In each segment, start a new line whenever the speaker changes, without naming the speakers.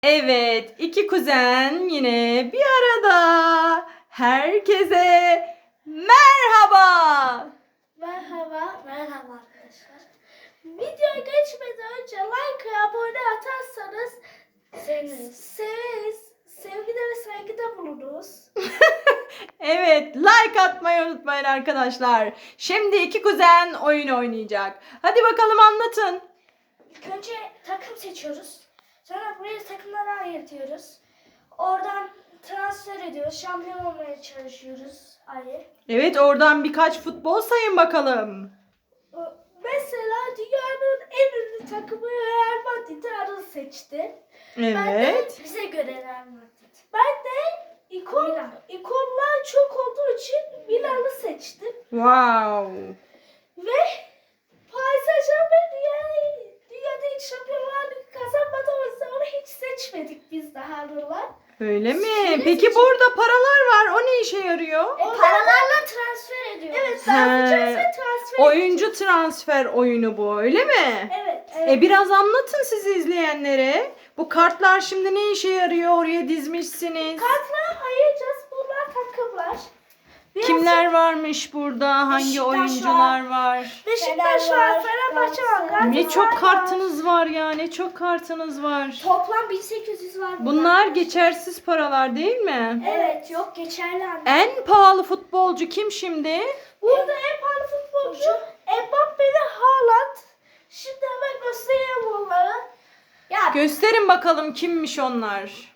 Evet, iki kuzen yine bir arada. Herkese merhaba.
Merhaba. Merhaba arkadaşlar. Videoya geçmeden önce like ve abone atarsanız severiz. Sevgide ve saygıda bulunuruz.
Evet, like atmayı unutmayın arkadaşlar. Şimdi iki kuzen oyun oynayacak. Hadi bakalım anlatın.
İlk önce takım seçiyoruz. Sonra buraya takımlara ayırtıyoruz. Oradan transfer ediyoruz. Şampiyon olmaya çalışıyoruz. Ayrı.
Evet, oradan birkaç futbol sayın bakalım.
Mesela dünyanın en ünlü takımı Real Madrid'i Anıl seçti.
Evet.
Bize göre Real Madrid. Ben de ikonlar çok olduğu için Milan'ı seçtim.
Wow.
Ve Paris Saint-Germain dünyada hiç Şampiyonlar Ligi kazanmadı. O yüzden onu hiç seçmedik biz daha Anıl'la.
Öyle mi? Peki burada paralar var. O ne işe yarıyor?
Paralarla transfer ediyoruz. Evet, dağıtacağız ve transfer
Oyuncu transfer oyunu bu, öyle mi?
Evet.
Biraz anlatın sizi izleyenlere. Bu kartlar şimdi ne işe yarıyor? Oraya dizmişsiniz.
Kartlara ayıracağız. Bunlar takımlar.
Kimler varmış burada? Hangi
Beşiktaş
oyuncular var?
Beşiktaş var, Fenerbahçe var, Galatasaray
Ne çok
var.
kartınız var ya, ne çok kartınız var.
Toplam 1800 var.
Bunlar geçersiz paralar değil mi?
Evet, yok geçerli anne.
En pahalı futbolcu kim şimdi?
Burada en pahalı futbolcu Mbappe ve Haaland. Şimdi hemen göstereyim onları. Ya
Gösterin bakalım kimmiş onlar.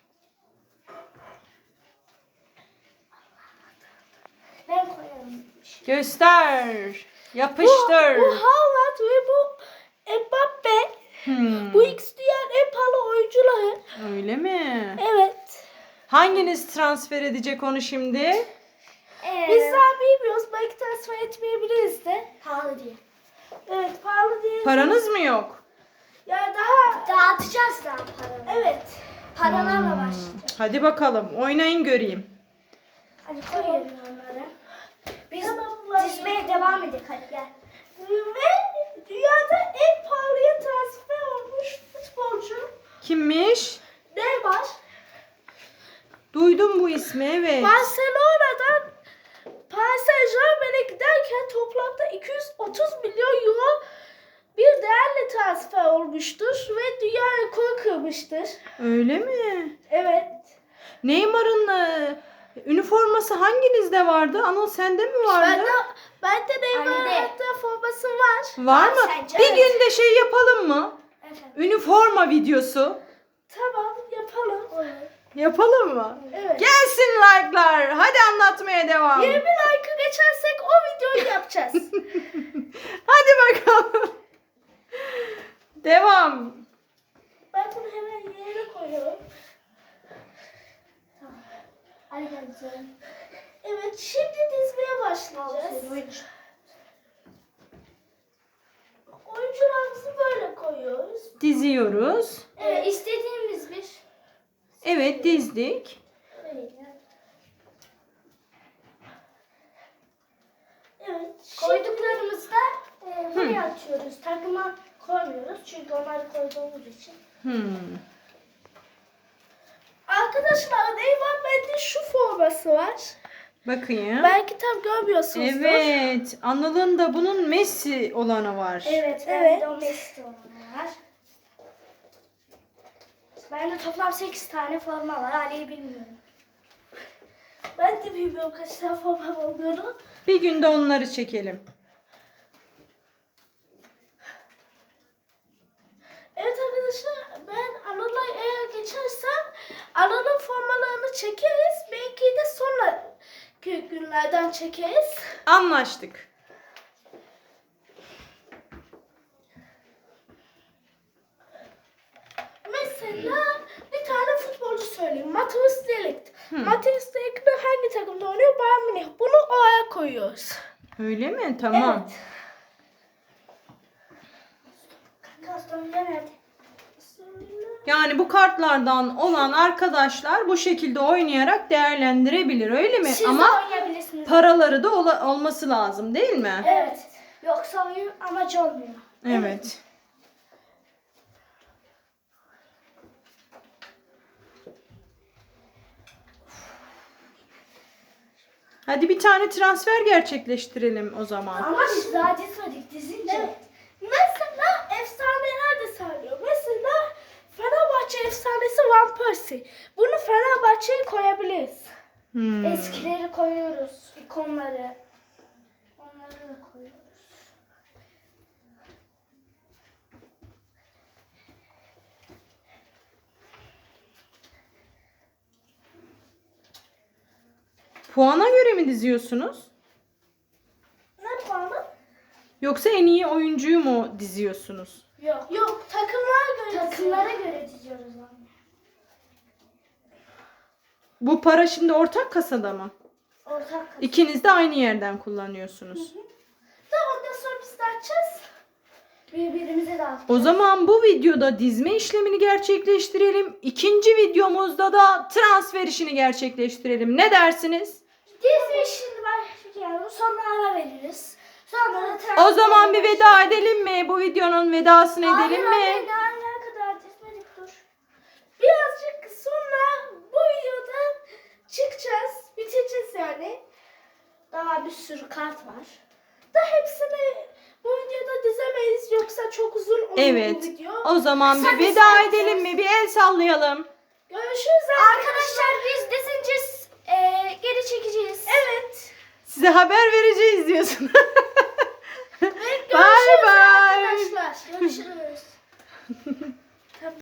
ben koyarım.
Göster. Yapıştır.
Bu Haaland ve bu Mbappe. Bu ikisi dünyanın en pahalı oyuncuları.
Öyle mi?
Evet.
Hanginiz transfer edecek onu şimdi?
Biz daha bilmiyoruz. Belki transfer etmeyebiliriz de. Pahalı diye. Evet, pahalı diye.
Paranız mı yok?
Ya daha dağıtacağız daha paraları. Evet. Paralarla başlayacağız.
Hadi bakalım oynayın göreyim.
Hadi koyalım onları. Biz dizmeye devam edelim. Hadi gel. Ve dünyada en pahalıya transfer olmuş futbolcu
Kimmiş?
Neymar.
Duydum bu ismi, evet.
Barcelona'dan Paris Saint-Germain'e giderken toplamda 230 milyon euro bir değerle transfer olmuştur ve dünya rekoru kırmıştır.
Öyle mi?
Evet.
Neymar'ın üniforması hanginizde vardı? Anıl sende mi vardı?
Bende Neymar'ın hatta forması var.
Var mı? Bir gün de şey yapalım mı?
Efendim.
Üniforma videosu.
Tamam yapalım.
Yapalım mı?
Evet.
Gelsin like'lar. Hadi anlatmaya devam.
20 like'ı geçersek o videoyu yapacağız.
Hadi bakalım. Devam.
Ben bunu hemen yerine koyuyorum. Tamam. Hadi geleceğim. Evet, şimdi dizmeye başlayacağız. Oyuncularımızı böyle koyuyoruz.
Diziyoruz.
Evet, istediğimiz bir.
Evet, dizdik.
Evet. Koyduklarımızda buraya atıyoruz. Takıma koymuyoruz çünkü onları koyduğumuz için. Arkadaşlar Neymar bende şu forması var.
Bakayım.
Belki tam görmüyorsunuzdur.
Evet. Anıl'ın da bunun Messi olanı var.
Evet. Bende o Messi olanı var. Bende toplam 8 tane forma var. Ali'yi bilmiyorum. Ben de bilmiyorum kaç tane forma olduğunu.
Bir günde onları çekelim.
Evet arkadaşlar ben Anıl'la eğer geçersem Anıl'ın formalarını çekeriz. Belki de sonraki günlerden çekeriz.
Anlaştık.
Mesela bir tane futbolcu söyleyeyim. Matheus de Ligt. Matheus de Ligt hangi takımda oynuyor? Bayern Münih. Bunu O'ya koyuyoruz.
Öyle mi? Tamam.
Evet. Kastamonu nerede?
Yani bu kartlardan olan arkadaşlar bu şekilde oynayarak değerlendirebilir, öyle mi?
Siz de
Ama
oynayabilirsiniz.
paraları da olması lazım, değil mi?
Evet. Yoksa oyun amacı olmuyor.
Evet. Hadi bir tane transfer gerçekleştirelim o zaman.
Ama biz daha dizmedik dizince. Evet. Mesela efsaneler de sayılıyor. Mesela Fenerbahçe efsanesi Van Persie. Bunu Fenerbahçe'ye koyabiliriz. Eskileri koyuyoruz. İkonları. Onları da koyuyoruz.
Puana göre mi diziyorsunuz?
Ne puanı?
Yoksa en iyi oyuncuyu mu diziyorsunuz?
Yok. Yok, takımlara göre diziyoruz anne.
Bu para şimdi ortak kasada mı?
Ortak kasa.
İkiniz de aynı yerden kullanıyorsunuz.
Ondan sonra biz de açacağız. Birbirimize dağıtacağız.
O zaman bu videoda dizme işlemini gerçekleştirelim. İkinci videomuzda da transfer işini gerçekleştirelim. Ne dersiniz?
Dizme işini başlayalım. Sonra ara veririz. Sonra da transfer
O zaman bir veda edelim mi? Bu videonun vedasını edelim
Hayır,
mi?
ne kadar dizmedik dur. Birazcık sonra bu videodan çıkacağız. Bitireceğiz yani. Daha bir sürü kart var. Da hepsini bu videoda dizemeyiz. Yoksa çok uzun olur bu
Evet.
video.
O zaman
Kısa
bir
kısa
veda
yapacağız.
edelim mi? Bir el sallayalım.
Görüşürüz arkadaşlar. Biz dizince geri çekeceğiz. Evet.
Size haber vereceğiz diyorsun.
Görüşürüz
Bye bye.
arkadaşlar. Görüşürüz.